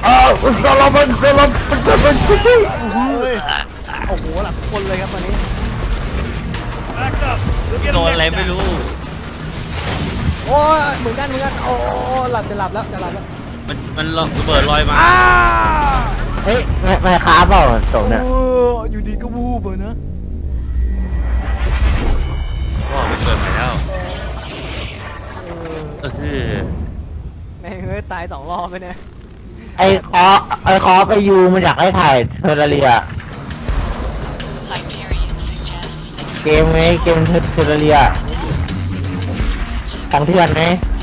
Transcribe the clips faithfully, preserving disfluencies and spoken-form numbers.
อ้าวสลับมันสลับมันสลับมันเฮ้ยโอ้โหหลับคนเลยครับตอนนี้โดนอะไรไม่รู้โอ้ยเหมือนกันเหมือนกันโอ้หลับจะหลับแล้วจะหลับแล้วมันมันระเบิดลอยมาเฮ้ยไม่ไม่ค้าเปล่าส่งเนี่ยอยู่ดีก็วูบเลยนะก็ไปเปิดมาแล้วเออแม่งเฮ้ยตายสองรอบไปเนี่ยไอ้คอไอ้คอไปยูมันอยากให้ถ่ายเทอร์เรียเกมไหมเกมเทอร์เรียของเถื่อนไหม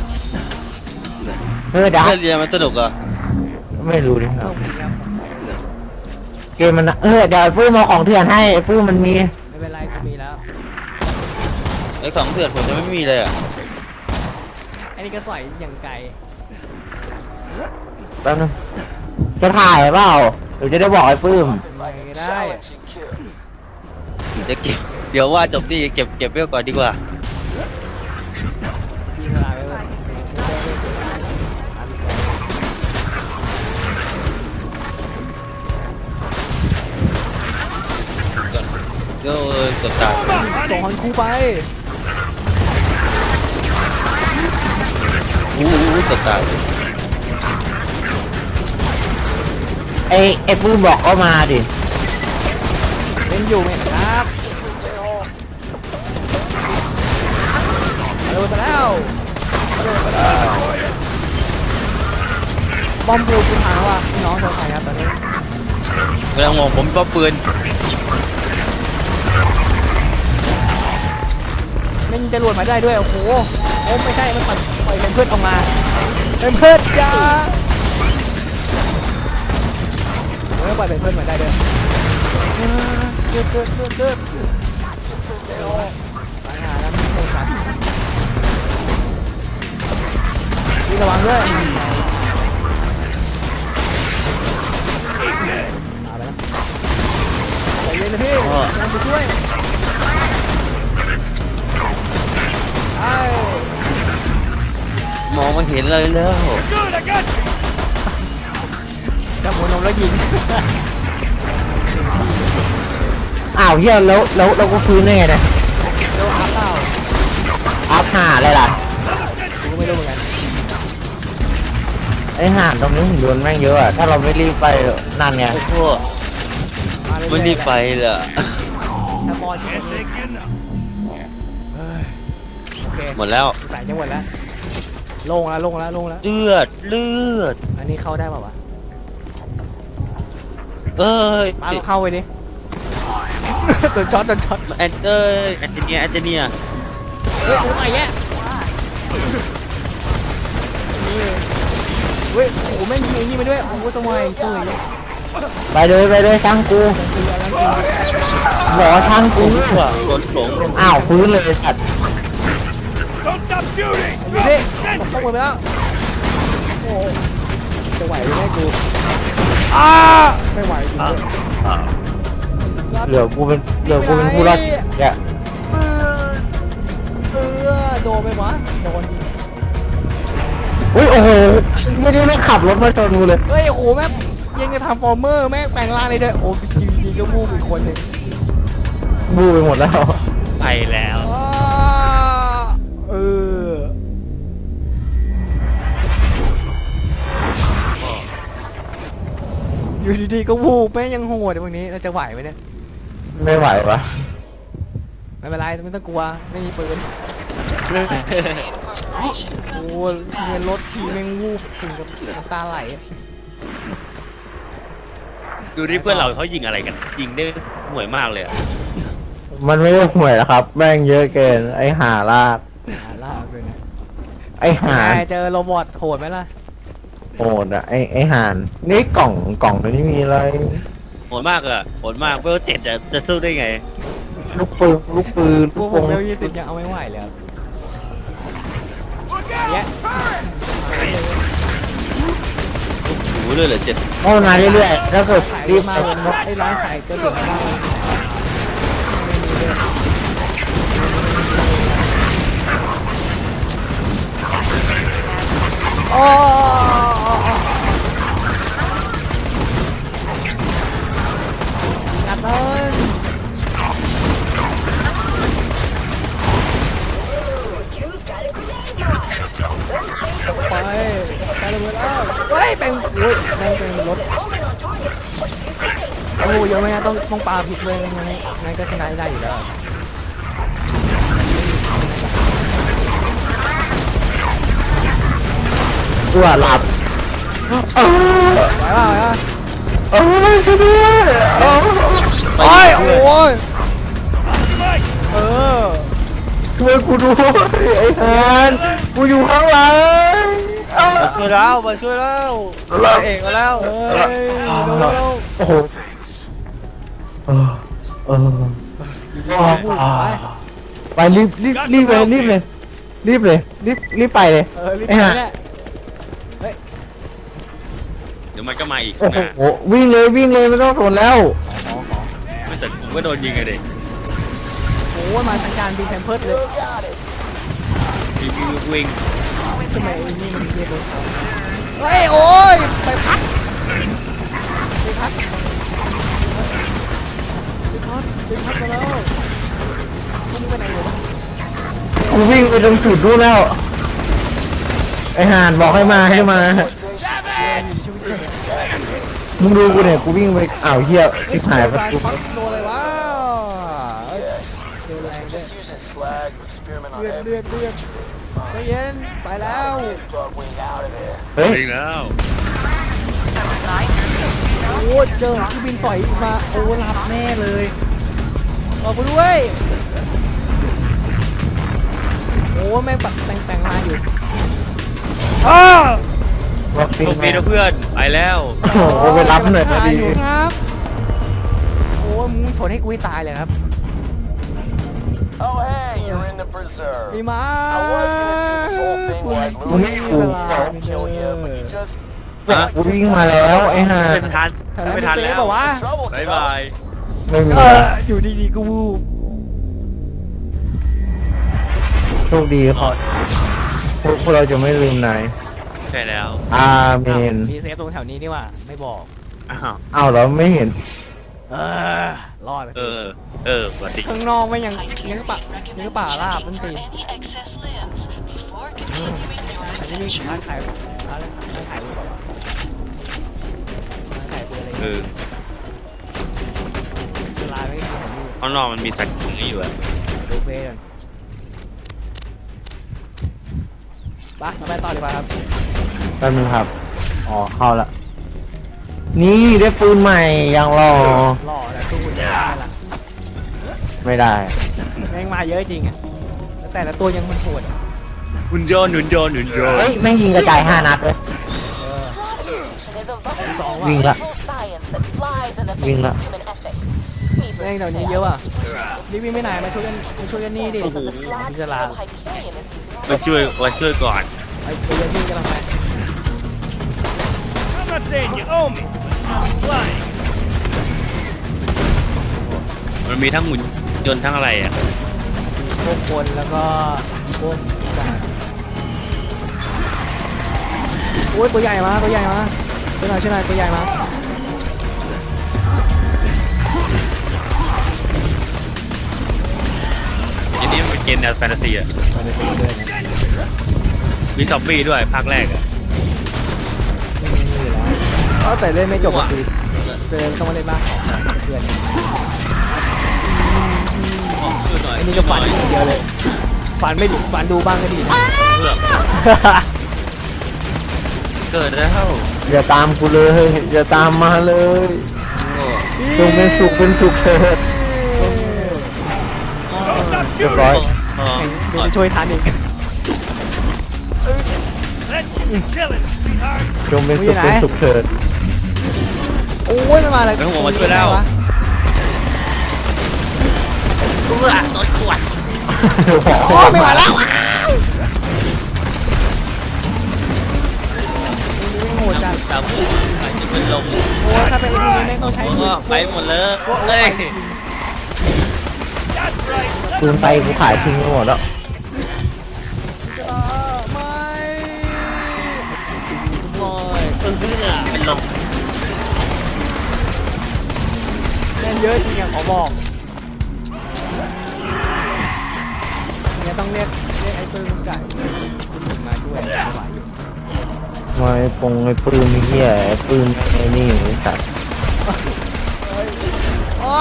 เฮ้ยดักเรียนมันสนุกอ่ะไม่รู้ดิครับเกมมันเออเดี๋ยวปื้มมาของเถื่อนให้ปื้มมันมีไม่เป็นไรกูมีแล้วไอ้ของเถื่อนผมจะไม่มีเลยอ่ะไอ้นี่ก็สอยอย่างไกลแป๊บนึงจะถ่ายเปล่าเดี๋ยวจะได้บอกไอ้ปื้มไม่ได้จะเก็บเดี๋ยวว่าจบที่เก็บเก็บเวลก่อนดีกว่าเดี๋ยวจบตายส่งฮันคูไปอู้จบตายไอ้ไอ้ปื้มบอกก็มาดิเล่นอยู่ไหมครับเร็วไปแล้วเร็วไปแล้วบอมบูคุณหาว่าน้องโดนใครครับตอนนี้กำลังมองผมก็ปืนมันจะหลุดมาได้ด้วยโอ้โหโอ้ไม่ใช่มันปล่อยปล่อยเป็นเพื่อนออกมาเป็นเพื่อนจ้าไม่ปล่อยเป็นเพื่อนมาได้ด้วยเกิดเกิดเกิดเกิดไปหาแล้วไม่โดนครับนี่ระวังด้วยมาแล้วใจเย็นนะพี่ยังไปช่วยมองมาเห็นเลยแล้วจับหัวนมแล้วยิงอ้าวเฮียแล้วแล้วเราก็ฟื้นได้ไงเนี่ยแล้วอัพเปล่าอัพห่าอะไรล่ะกูไม่รู้เหมือนกันไอ้ห่านตรงนี้หุ่นยนต์แม่งเยอะอะถ้าเราไม่รีบไปนั่นไงโอ้โหไม่รีบไปเลยถ้าบอลหมดแล้วสายจะหมดแล้วลงแล้วลงแล้วลงแล้วเลือดเลือดอันนี้เข้าได้ป่าวะเอ้ยมาเข้าไปดิโดนช็อตโดนช็อตแอนเอ้ยแอนเจเนียแอนเจเนียเฮ้ยโอ้ยแย่เฮ้ยโอ้แม่งยิงยิงไปด้วยโอ้สมัยเกยไปเลยไปเลยช่างกูบอกช่างกูว่ะโดนหลงอ้าวฟื้นเลยสัตว์อยู่ดิส่งเข้าไปแล้วโอ้จะไหวหรือไม่กูอ้าไม่ไหวจริงเหลือกูเป็นเหลือกูเป็นผู้รอดแกเออโดนไปวะโดนอุ้ยโอ้โหไม่ได้ไม่ขับรถมาชนกูเลยเฮ้ยโอ้โหแม่ยังจะทำฟอร์เมอร์แม่แปลงร่างเลยด้วยโอ้ยิงยิงก็บูอีกคนหนึ่งบูไปหมดแล้วไปแล้วเอออยู่ดีๆก็วูบแม่ยังโหดพวกนี้เราจะไหวไหมเนี่ยไม่ไหวปะไม่เป็นไรไม่ต้องกลัวไม่มีปืนโอ้เงินรถทีแม่งวูบถึงกับน้ำตาไหลดูที่เพื่อนเราเขายิงอะไรกันยิงได้ห่วยมากเลยมันไม่ได้ห่วยหรอกครับแม่งเยอะเกินไอ้ห่าลากหาลากเลยนะไอ้ห่าเจอโรบอทโหดไหมล่ะโหดอะไอ้ไอ้ห่านนี่กล่องกล่องนี้มีอะไรโหดมากอะโหดมากเวลเจ็ดจะจะสู้ได้ไงลูกปืนลูกปืนลูกโป่งเวลยี่สิบยังเอาไม่ไหวเลยเนี่ยโอ้โหเลยเหรอเจ็ดโอ้มาเรื่อยๆแล้วก็รีบมาเลยนกไอ้ร้านขายก็ถึงมาโอ้ไปไปเลยแล้วเฮ้ยเป็นอุ้ยแม่งเป็นรถโอ้ยเยอะไหมฮะต้องต้องปาผิดเลยงั้นงั้นก็ชนะได้อยู่แล้วตัวหลับเออไหวป่ะไหวป่ะเออช่วยด้วยเออโอ้ยโอ้ยเออช่วยกูด้วยไอ้ฮันกูอยู่ข้างหลังเออมาช่วยแล้วมาช่วยแล้วเอกมาแล้วเฮ้ยเร็วโอ้โหเออเออๆไปไปรีบรีบรีบเลยรีบเลยรีบเลยรีบรีบไปเลยเออรีบไอ้ไปห่าเนี่ยเฮ้ยเดี๋ยวมันก็มาอีกโอ้โหนะวิ่งเลยวิ่งเลยไม่ต้องสนแล้วขอขอไม่แต่ผมก็โดนยิงไงเด็กโอ้ยมาทางการบินแพมเพิร์ดเลยวิ่งวิ่งทำไมไอ้นี่มันเรียกรถเฮ้ยโอ้ยไปพักไปพักไปพักไปพักมาแล้วมึงไปไหนอยู่วะกูวิ่งไปตรงสุดนู่นแล้วไอ้ห่านบอกให้มาให้มา มึงดูกูเนี่ยกูวิ่งไปอ้าวเหี้ยทิพหายประตูพักโดนเลยวะเจอแรงด้วยเลือดเลือดเลือดใจเย็นไปแล้วเฮ้ยวิ่งแล้วโอ้เจอที่บินสอยมาโอ้รับแน่เลยออกไปด้วยโอ้แม่งปัดแต่งแต่งมาอยู่อ้าวัคซีนโชคดีนะเพื่อนไปแล้วโอ้โหไปรับหน่อยนะดีอยู่ครับโอ้มึงชนให้กูให้ตายเลยครับ Oh hey, you're in the preserve. มีมา I was gonna do this whole thing where I'd มึง lure ไม่ you ถู in ก and kill you, but you just กูวิ่งมาแล้วไอ้ห่าไม่ทันไม่ทันแล้วบอกว่า trouble. บายบายไม่มีเอออยู่ดีๆกูวูบโชคดีขอพวกพวกเราจะไม่ลืมนายใช่แล้วอาเมนมีเซฟตรงแถวนี้นี่ว่าไม่บอกอ้าวอ้าวเราไม่เห็นเออรอดเออเออสวัสดีข้างนอกไม่ยังยังป่ายังป่าลาบมันตีอันนี้มีร้านขายร้านร้านขายรูปแบบร้านขายปืนอะไรเออร้านไม่มีของนี่ข้างนอกมันมีสัตว์อย่างนี้อยู่อะดูเพลย์กันไปเราไปต่อดีกว่าครับแป๊บนึงครับอ๋อเข้าละนี่ได้ปืนใหม่ยังรอหล่อแต่สู้ไม่ได้ละไม่ได้แม่งมาเยอะจริงอ่ะแต่ละตัวยังมันโหดหุ่นยนต์หุ่นยนต์หุ่นยนเฮ้ยต์แม่งยิงกระจายห้านัดเลย Strategization is a Song vital là- evil science that flies in the Viên face là- of human ethics. แม่ง Needless เดี๋ยว to นี้ say, เยอะ I อ่ะ was รีบวิ่งไม่ไหนมาช่วยกันมาช่วยกันนี่ดิ that the slag พิจาร steel ณา Hyperion is using มาช่วยมาช่วยก่อนไอ้ตัวนี้กำลังไป I'm not saying you owe me, but I'm flying. มันมีทั้งหุ่นยนต์ทั้งอะไรอ่ะพวกคนแล้วก็พวกสัตว์โอ้ยตัวใหญ่มาตัวใหญ่มาช่วยหน่อยช่วยหน่อยตัวใหญ่มาอันนี้มันเป็นเกมแนวแฟนตาซีอ่ะมันจะเป็นเดือนนะมีซอมบี้ด้วยภาคแรกอ่ะไม่มีอยู่แล้วก็แต่เล่นไม่จบก็คือเดินต้องมาเล่นบ้างเดือนช่วยหน่อยอันนี้ก็ฝันอย่างเดียวเลยฝันไม่ดีฝันดูบ้างก็ดีนะเพื่อเกิดแล้วอย่าตามกูเลยอย่าตามมาเลยจงเป็นสุขเป็นสุขเถิด Don't stop เรียบ shooting! ร้อยอ๋อเดี๋ยวไปช่วยทันอีก Let's kill it, sweetheart! จงเป็นสุขเป็นสุขเถิดโอ้ยมันมาอะไรแล้วผมมาช่วยแล้ววะเพื่อโดนขวดโอ้ยไม่ไหวแล้วนี่โหดจัดสามผู้อาจจะเป็นลมโอ้ยถ้าเป็นไอ้พวกนี้แม่งต้องใช้โอ้ไปหมดเลยเฮ้ย That's right! ปืนไปกูขายทิ้งไปหมดแล้วอ่าไม่โอ้ยเพิ่งเพิ่งเป็นลมแม่งเยอะจริงอะขอบอกเนี่ยต้องเรียกเรียกไอ้ปืนไก่มาช่วยมาไอ้ปงไอ้ปืนไอ้เหี้ยไอ้ปืนไอ้นี่ไอ้สัตว์อ้า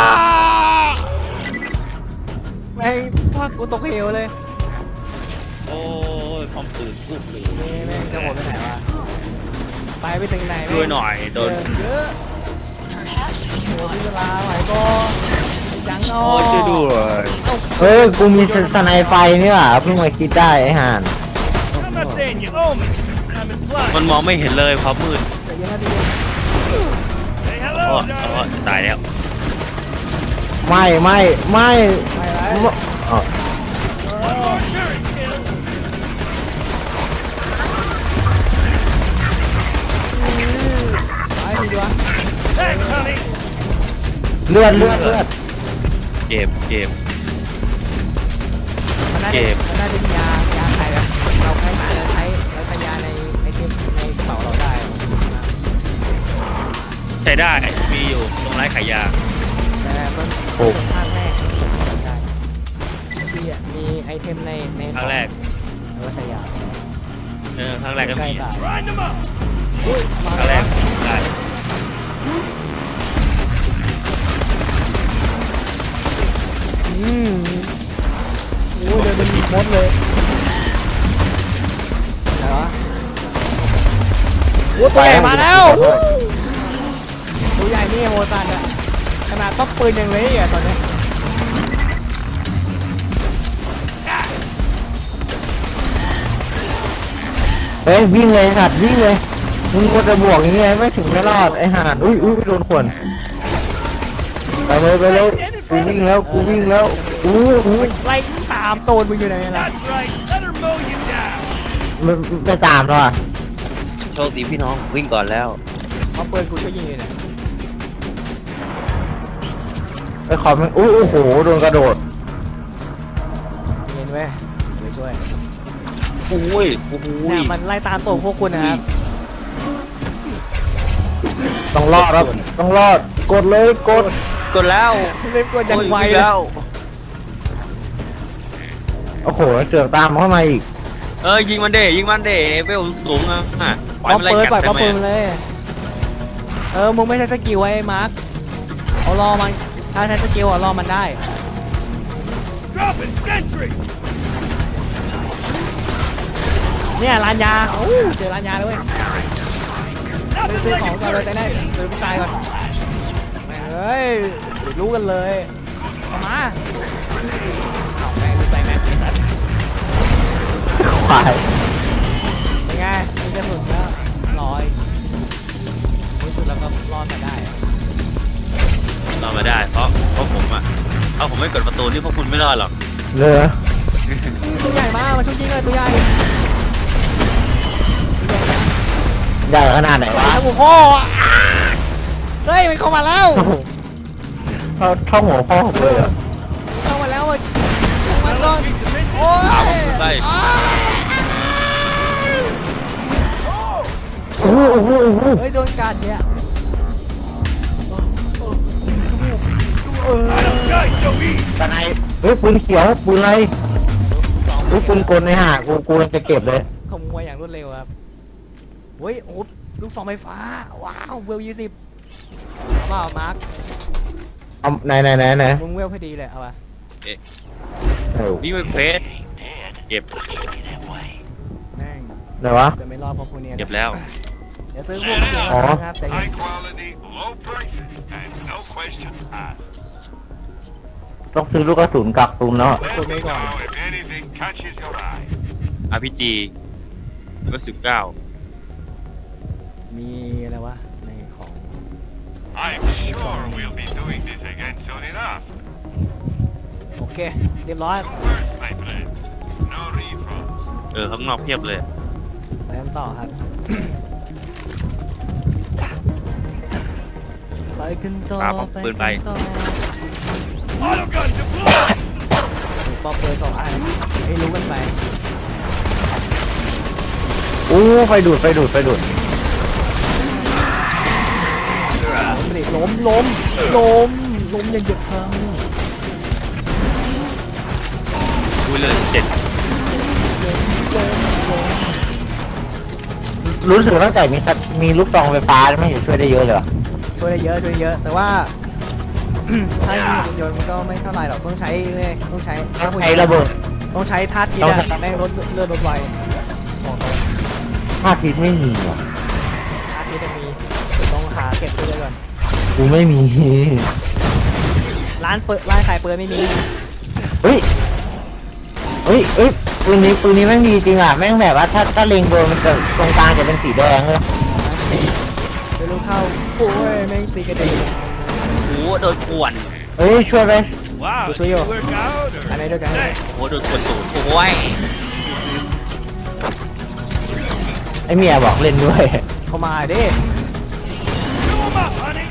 แม่งพากูตกเหวเลยโอ้ยพร้อมปืนปุ๊บเลยนี่แม่งจะโหดไปไหนวะไปไปถึงไหนแม่งช่วยหน่อยโดนเยอะโอ้พี่เวลาไหวก็ยังเอาโอ้ยช่วยด้วยเฮ้ยกูมีสไนไฟนี่หว่าเพิ่งมาคิดได้ไอ้ห่าน I'm not saying you owe me. I'm มัน implying. มองไม่เห็นเลยเพราะมืดเดี๋ยวยังนาทีเดียว Say โอ้ hello, โอ้ darling. ตายแล้วไม่ไม่ไม่ไปไรไม่อ๋อ One more turret kill. ไปทีดีวะ Thanks, honey. เลือดเลือดเลือดเจ็บเจ็บมันน่าเกจะมมันน่าจะมียายาใครแบบเราใช้หาแล้วใช้แล้วใช้ยาในในเกมในกระเป๋าเราได้ใช้ได้มีอยู่ตรงร้านขายยาแต่มันโอ้ภาคแรกได้ที่อ่ะมีไอเทมในในครั้งแรกแล้วก็ใช้ยาเออครั้งแรกก็ใกล้มีตาย Grind them up. อุ้ยมาครั้งแรแล้กวได้อืมโอ้ยเดินเป็นมดเลยอะไรวะโอ้ตัวใหญ่มาแล้วตัวใหญ่นี่โมซันอะขนาดต้องปืนยังเละอ่ะตอนเนี้ยเฮ้ยวิ่งเลยสัตว์วิ่งเลยมึงควรจะบวกอย่างเงี้ยไม่ถึงไม่รอดไอ้ห่านอุ้ยอุ้ยโดนขวนไปเลยไปเลยกูวิ่งแล้วกูวิ่งแล้วอู้หูไล่ตามโตนมึงอยู่ไหนล่ะ That's right. Let her mow you down. ไม่ไม่ตามแล้วอ่ะโชคดีพี่น้องวิ่งก่อนแล้วเอาปืนกูช่วยยิงเลยนะไปขอมันอู้โอ้โหโดนกระโดดเย็นเว้ยเดี๋ยวช่วยโอ้ยโอ้โหเนี่ยมันไล่ตามตัวพวกคุณนะครับต้องรอดครับต้องรอดกดเลยกดกดแล้วเล่นกวนยังไวโอ้เลยแล้วโอ้โหเสือกตามเข้ามาอีกเออยิงมันเดยิงมันเดเวลสูงอ่ะอ่ะป้อมมันไล่เปิดปล่อยกัป้อมได้ปืนไหมเลย เออมึงไม่ใช่สกิลไว้มาร์คเอารอมันถ้าใช้สกิลอ่ะรอมันได้ Drop it. Sentry. เนี่ยร้านยาโอ้เจอร้านยาเลยเว้ย Nothing ซื้อ like ของ a ก่อนเลย turret. แต่ได้ซื้อผู้ชายก่อนแม่งเอ้ยเดี๋ยวรู้กันเลยเอามาเอาแม่งกูใส่แม็กไอ้สัสควายเป็นไงมีกระสุนแล้วลอยที่สุดแล้วก็รอดมาได้รอดมาได้เพราะเพราะผมอ่ะเอาผมไม่กดประตูนี่พวกคุณไม่รอดหรอกเรือตัวใหญ่มากมาช่วยยิงเลยตัวใหญ่ใหญ่ขนาดไหนวะแล้วหัวพ่ออ่ะเฮ้ยมันเข้ามาแล้วเท่าเท่าหัวพ่อผมเลยอะเข้ามาแล้วอ่ะช่างมันก่อน Keep the mission. โอ้ยใช่อ้าโอ้โหโอ้โหโอ้โหเฮ้ยโดนกัดเนี่ยเออ I don't die so easy. ตะไนเฮ้ยปืนเขียวปืนอะไรเฮ้ยปืนกลในห่ากูกูกำลังจะเก็บเลยขโมยอย่างรวดเร็วครับเฮ้ยโอ้ลูกซองไฟฟ้าว้าวเวลยี่สิบเอาเปล่ามาร์คเอาไหนไหนไหนไหนมึงเวลพอดีเลยเอาป่ะเออวิ่งไปเฟสเก็บแม่งไหนวะจะไม่รอดเพราะพวกเนี้ยเก็บแล้วเดี๋ยวซื้อพวกเดียวอ๋อนะครับใจเย็น High quality, low prices, and no questions asked. ต้องซื้อลูกกระสุนกักตุนแล้ว Let me know if anything catches your eye. อาร์พีจีก็สิบเก้ามีอะไรวะในของ I'm sure we'll be doing this again soon enough. โอเคเรียบร้อย Two words, my friend. No refunds. เออข้างนอกเพียบเลยไปกันต่อครับ ไปกันต่อปาป้อมปืนไปกันต่อ Auto gun deployed. ปอมปืนสองอันให้รู้กันไปโอ้ไฟดูดไฟดูดไฟดูดล้มล้มล้มล้มอย่าเหยียบซ้อุ้ยเลยเจ็ดำล้มล้มล้มรู้สึกตั้งแต่มีสัตว์มีลูกซองไฟฟ้าไม่เห็นช่วยได้เยอะเลยว่ะช่วยได้เยอะช่วยได้เยอะ แต่ว่า ถ้ายิงหุ่นยนต์มันก็ไม่เท่าไหร่หรอกต้องใช้เนี่ยต้องใช้ต้องใช้ระเบิดต้องใช้ท่าทีต้องอะใช้แม่งลดเลือดลดไวบอกเลยท่าทิศไม่มีว่ะท่าทีจะมีเดี๋ยวต้องหาเก็บเลือดก่อนกูไม่มีร้านเปิดร้านขายเปิดไม่มีเฮ้ยเฮ้ยเฮ้ยปืนนี้ปืนนี้แม่งดีจริงอ่ะแม่งแบบว่าถ้าถ้าเล็งโดนมันจะตรงกลางจะเป็นสีแดงเลยเดี๋ยวลูกเข้าโอ้ยแม่งตีกระเด็นโอ้โหโดนป่วนเฮ้ยช่วยไป Wow, What's did your- it work out? อันไหน Or... ด้วยกัน Thanks. โอ้โหโดนป่วนตูดโอ้ยไอเมียบอกเล่นด้วยเข้ามาดิ Chew 'em up, honey.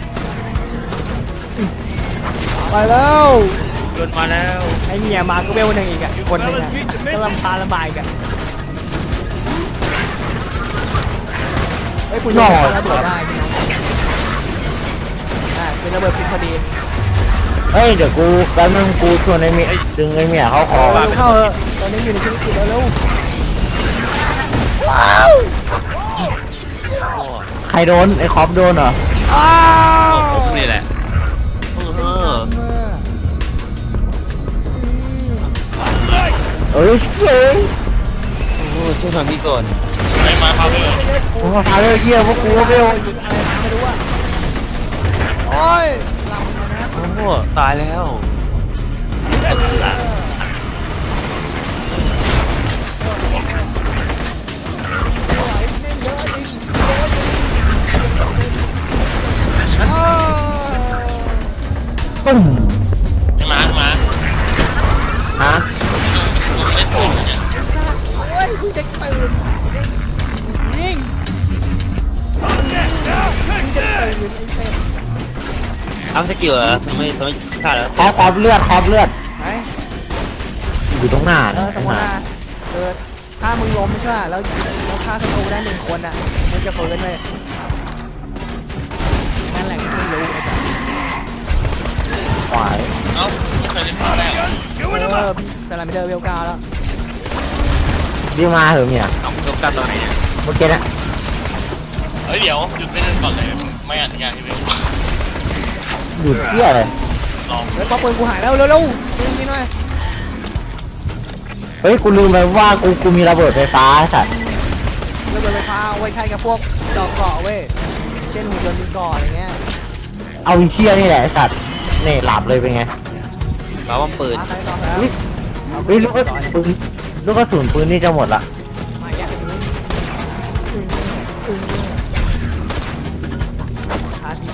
ไปแล้วโดนมาแล้วไอ้เมียมาก็เวลหนึ่งอีกอ่ะคนหนึงอ่ะก็ลำพาลำบากอีกอ่ะเฮ้ยคุณจะระเบิดได้พี่น้องได้เป็นระเบิดพิษพอดีเฮ้ยเดี๋ยวกูแป๊บนึงกูชวนไอเมียดึงไอเมียเข้าคอเร็วเข้าเถอะตอนนี้อยู่ในชีวิตจริงแล้วเร็วใครโดนไอคอปโดนเหรออ้าโอ้วผมนี่แหละเออเอ้ยเฮ้ยโอ้โหช่วยทางนี้ก่อนไม่มาครับเลยผมมาพาเรื่องเยี่ยพวกกูก็ไม่เอาไม่รู้อ่ะโอ้ยลำเลยนะโอ้โหตายแล้วปุ้มไม่มาไม่มาฮะเล่นปืนเนี่ยโอ้ยกูจะตื่นยิง On deck now. Take ตื่ that. นไอ้เต็มเอาสกิลเหรอทำไมทำไมฆ่าแล้วคอปคอปเลือดคอปเลือดไหนอยู่ตรงหน้าเออสมมติว่าเออถ้ามึงล้มใช่ป่ะแล้วแล้วฆ่าศัตรูได้หนึ่งคนอ่ะมึงจะฟื้นเลยนั่นแหละที่มึงรู้ไอ้สัสขวายเอ้าไม่เคยเล่นมาแล้ว Chewing 'em เออ up. สลามิเดอร์เวลเก้าแล้วดีมาเหอะเมียเอาโดนกันตอนไหนเนี่ยเมื่อกี้น่ะเฮ้ยเดี๋ยวหยุดเล่นก่อนเลยไม่อนุญาตให้เล่นหยุดเที่ยเลยลองแล้วก็ปืนกูหายแล้วเร็วๆยิงยิงหน่อยเฮ้ยกูลืมไปว่ากูกูมีระเบิดไฟฟ้าสัตว์ระเบิดไฟฟ้าเอาไว้ใช้กับพวกดอกเกาะเว้ยเช่นหุ่นยนต์ยิงเกาะอะไรเงี้ยเอาไอ้เที่ยนี่แหละไอ้สัตว์นี่หลับเลยเป็นไงเราว่าปืนมาใครต่อแล้วเฮ้ยลูกกระสุนปืนลูกกระสุนปืนนี่จะหมดละมาแยกกันนี้อาที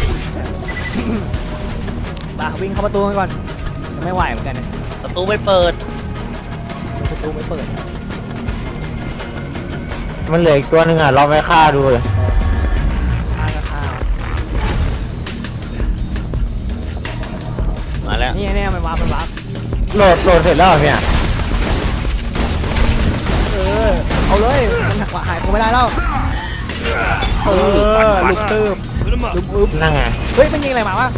บ้าวิ่งเข้าประตูกันก่อนจะไม่ไหวเหมือนกันเนี่ยประตูไม่เปิดประตูไม่เปิดมันเหลืออีกตัวหนึงอ่ะเราไปฆ่าดูเลยข้าวก็ข้าวมาแล้วนี่เนี่ยมันวาร์ปมันวาร์ปโหลดโหลดเสร็จแล้วเหรอเนี่ยเออเอาเลยมันหายตัวไม่ได้แล้วเออลุกตื้ม Put 'em ลุ up. กอึ๊บนั่งไงเฮ้ยมันยิงอะไรมาวะ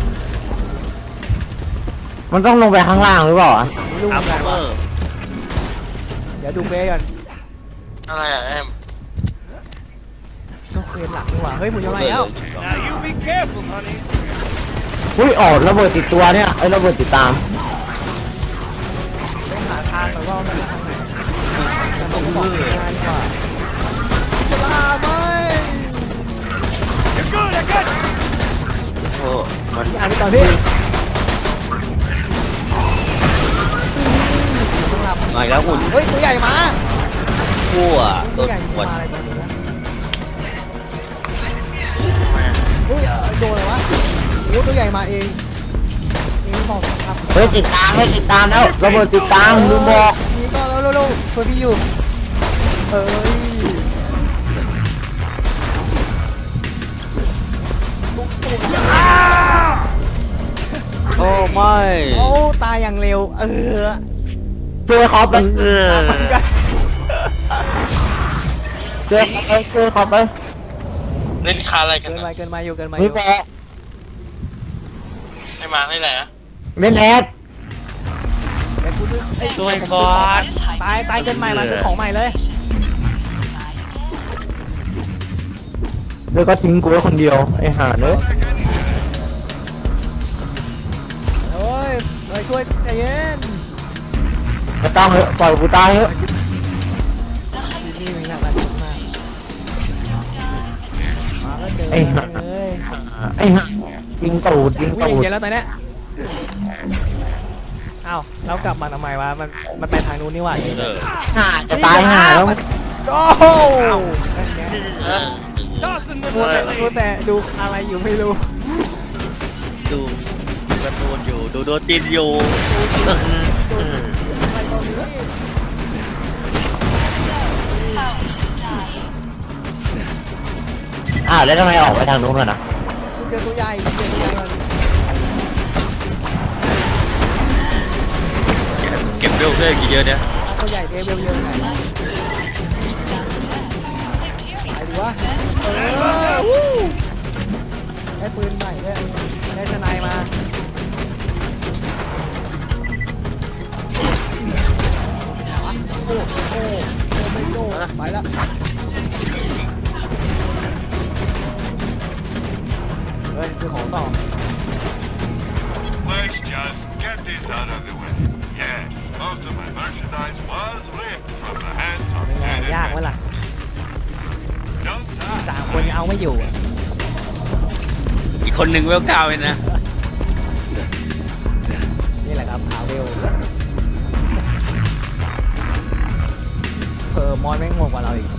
มันต้องลงไปข้างล่างหรือเปล่าอ่ะไม่รู้เหอัมืพอนกันเมว่ะอร์เดี๋ยวดูเฟซก่อนอะไรอ่ะแอมต้องเฟซหลักนี่หว่าเฮ้ยหมุนยังไงแล้ว Now you be careful, honey. อุ้ยออกระเบิดติดตัวเนี่ยไอ้ระเบิดติดตามต้องหาทางแต่ว่ามันทางไหนต้องบอกทางดีกว่าจะลาไหม You're good. I got you. โอ้มันพี่อ่านไปก่อนพี่ต้องรับมาอีกแล้วหุ่นเฮ้ยตัวใหญ่มาทั่วโดตัวน ใหญ่ปวดมาอะไรตัวนี้วะเฮ้ยโดนอะไรวะโอ้ตัวใหญ่มาเองเองบอกครับเฮ้ยติดตามให้ติดตามแล้วระเบิดติดตามลืมบอกนี่ก็แล้วเร็วๆช่วยพี่อยู่เอ้ยโอ้ไม่โอ้ตายอย่างเร็วเออช่วยคอปไปเออเหมือนกันช่วยคอปไปช่วยคอปไปเล่นคาอะไรกันเกินไปนะเกินไปอยู่เกินไปอมียู่แปะไม่มาไม่แหละเมนแอดเดี๋ยวกูซื้อเอ้ยช่วยก่อนตายตายเกินใหม่มาซื้อของใหม่เลยแล้วก็ทิ้งกูไว้คนเดียวไอ้ห่าเนอะโอ้ยมาช่วยใจเย็นไม่ต้องเถอะปล่อยกูตายเถอะที่นี่มีหนักหลายคนมากมาก็เจอไอ้ห่าเลยไอ้ห่ายิงตูดยิงวิ่งตูดเย็นแล้วตอนเนี้ยเอ้าเรากลับมาทำไมวะมันมันไปทางนู้นนี่หว่าเออห่าจะตายห่าแล้วโอ้นั่นไงเออ Tossing them มัวแต่ away. มัวแต่ดูอะไรอยู่ไม่รู้ดูดูการ์ตูนอยู่ดูโดจินอยู่อะไรตอนนี้อ้าวแล้วทำไมออกไปทางนู้นกันนะเจอตัวใหญ่เจอตัวใหญ่มันเก็บเวลเพื่อนกี่เยอะเนี่ยตัวใหญ่เร็วๆเยอะไหนไปดูวะเออวู้ได้ปืนใหม่ด้วยได้ทนายมาโอ้โอ้โอ้ไม่โจ้ไปละเฮ้ยซื้อของต่อ Let's just get this out of the way. Yes, most of my merchandise was ripped from the hands of เป็นไง innocent. ยากไหมล่ะ Don't die. สามคนยังเอาไม่อยู่อะอีกคนหนึ่งเวลเก้าเลยนะนี่แหละครับหาเวลเออมอนแม่งโหดกว่าเราอีก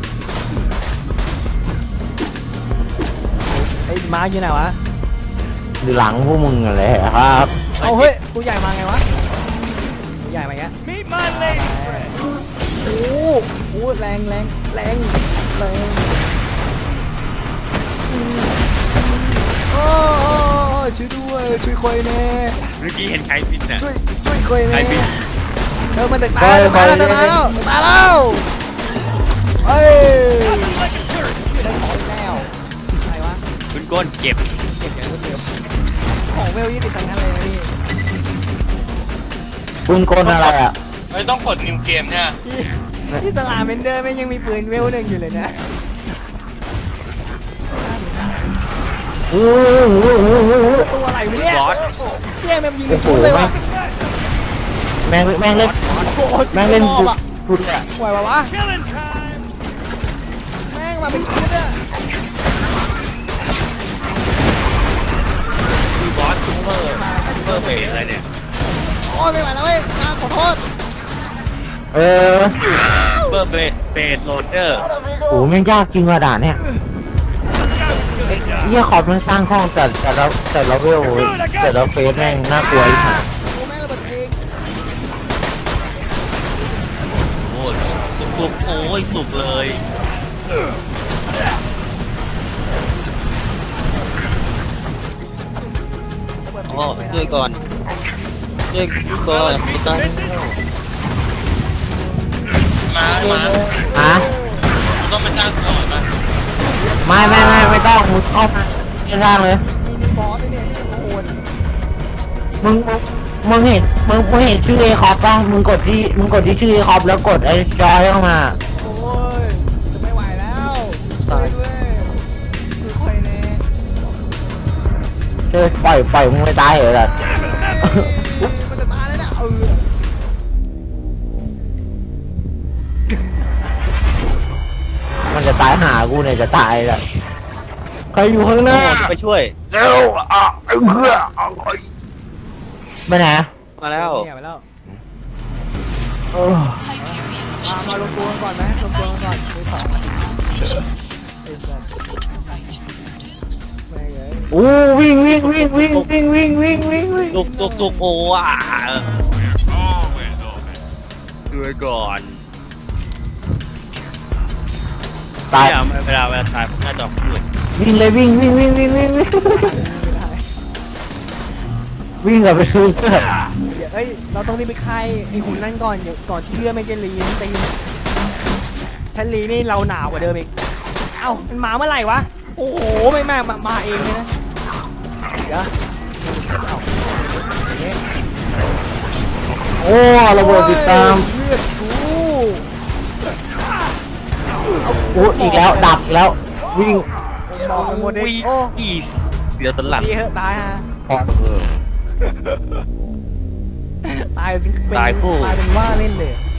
ไอ้ม้าอยู่ไหนวะอยู่หลังพวกมึงอะไรครับเอาเฮ้ยกูใหญ่มาไงวะกูใหญ่มาไง Meet my lady friend. โอ้โหแรงแรงแรงแรงโอ้โอ้ช่วยด้วยช่วยคอยแน่เมื่อกี้เห็นใครบินน่ะช่วยช่วยคอยใครแน่บินเออมันตึกตายตึกตายแล้วตึกตายแล้วตึกตายแล้วเฮ้ย Like a turret. ได้ของอีกแล้วอะไรวะคุณก้นเก็บเก็บอย่างรวดเร็วของเวลยี่สิบทั้งนั้นเลยนะพี่ปืนกลอะไรอ่ะไม่ต้องกดนิวเกมเนี่ยที่ที่สลาเมนเดอร์แม่งยังมีปืนเวลหนึ่งอยู่เลยนะโอ้โหตัวอะไรวะเนี่ยบอสเชี่ยแม่งยิงเป็นชุดเลยว่ะแม่งแม่งเล่นโอ้โหแม่งเล่นมอชุบดอะชุดอ่ะปล่อยวะวะ Killing time. แม่งมาเป็นชุดอะคือบอสซูเปอร์ซูเปอร์เบสอะไรเนี่ยโอ้ยไม่ไหวแล้วเว้ยอ่าขอโทษเออซูเปอร์เบสเบสโหลดเดอร์โอ้แม่งยากจริงว่ะด่านเนี่ยเฮียขอบมันสร้างห้องแต่แต่เราแต่เราเวลแต่เราเฟสแม่งน่ากลัวอีกห่าโอ้แม่งระเบิดเองโอ้ยสุกสุกโอ้ยสุกเลยอ๋อช่วยก่อนช่วยก่อนไม่ต้อง มามาฮะต้องไปจ้างก่อนมาไม่ไม่ไม่ไม่ต้องมึงเข้ามาไม่สร้างเลยนี่นี่บอสเนี่ยนี่โอ้โหมึงมึงมึงเห็นมึงมึงเห็นชื่อเอคอปป่ะมึงกดที่มึงกดที่ชื่อเอคอปแล้วกดไอ้จอยเข้ามาโอ้ยจะไม่ไหวแล้วช่วยด้วยช่วยคอยแน่เออปล่อยปล่อยมึงไม่ตายเหรอล่ะมันจะตายแล้วนะเออมันจะตายหากูเนี่ยจะตายละใครอยู่ข้างหน้าไปช่วยเร็วอ่ะไอ้เพื่อไปไหนมาแล้วเนี่ยไปแล้วเออมามารวมตัวกันก่อนไหมรวมตัวกันก่อนมือสองไอ้สัสแม่งเอ้ยโอ้วิ่งวิ่งวิ่งวิ่งวิ่งวิ่งวิ่งวิ่งวิ่งสุกสุกสุกโอ้อ่ะ Always open. ช่วยก่อนตายเนี่ยเวลาเวลาตายผมหน้าจอมืดวิ่งเลยวิ่งวิ่งวิ่งวิ่งวิ่งวิ่งไม่ได้วิ่งกลับไปซื้อเสื้อเดี๋ยวเอ้ยเราต้องรีบไปค่ายไอ้หุ่นนั่นก่อนเดี๋ยวก่อนที่เลือดไม่จะรีนตีนถ้ารีนี่เราหนาวกว่าเดิมอีกเอ้ามันมาเมื่อไหร่วะโอ้โหไม่มามามาเองเลยนะเดี๋ยวเอ้าอย่างเงี้ยโอ้ระเบิดติดตามเลือดกูโอ้อีกแล้วดับอีกแล้ววิ่งโอ้บอกกันหมดเลยโอ้อีเดี๋ยวสลัดดีเหอะตายฮะพอเออตายเป็นเป็นตายคู่ตายเป็นว่าเล่นเลย